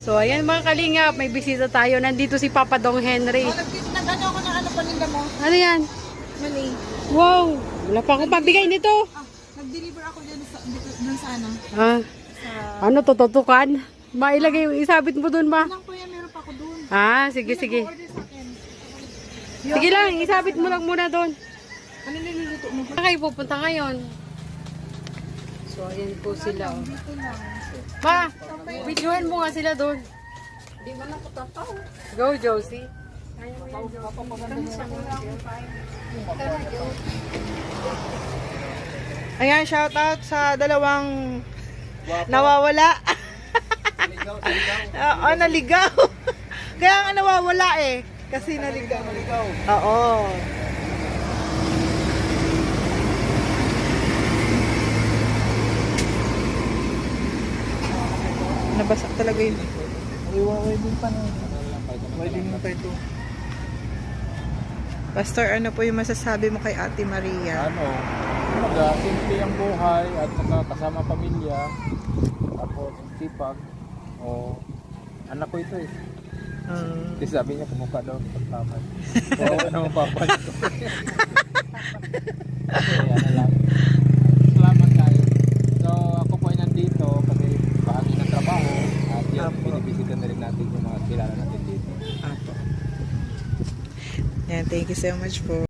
So, ayan mga kalingap, may bisita tayo. Nandito si Papa Dong Henry. Nag-ano ako ng ano paninda mo? Ano yan? Mali. Wow! Wala pa akong pabigay nito. Nag-deliver ako dun sa ano. Ah, ano to, tutukan? Mailagay, isabit mo dun ba? Lang po yan, meron pa ako dun. Ah, sige, sige. Order sa akin. Sige lang, isabit mo lang muna dun. Ano niluluto mo? Saan kayo pupunta ngayon? So, ayan po sila. Oh. Dito lang. Ma, videohan mo nga sila dun. Di ba na tataw? Go, Josie. Ayan, shout out sa dalawang nawawala. Oo, naligaw. Kaya nga nawawala eh. Kasi naligaw. Oo. Nabasak talaga yun. Wedding pa na. Wedding pa ito. Pastor, ano po yung masasabi mo kay Ate Maria? Simple ang buhay at saka kasama pamilya. Tapos sipag. O, anak ko ito eh. Kasi sabi niya kumukha daw ng pagtamay. So, ano ang papa nito? Okay, ano lang. Salamat tayo. So, ako po ay nandito kasi bahagi ng trabaho at yan, binibisita na rin natin yung mga kilala natin dito. Apo. Yan, thank you so much po.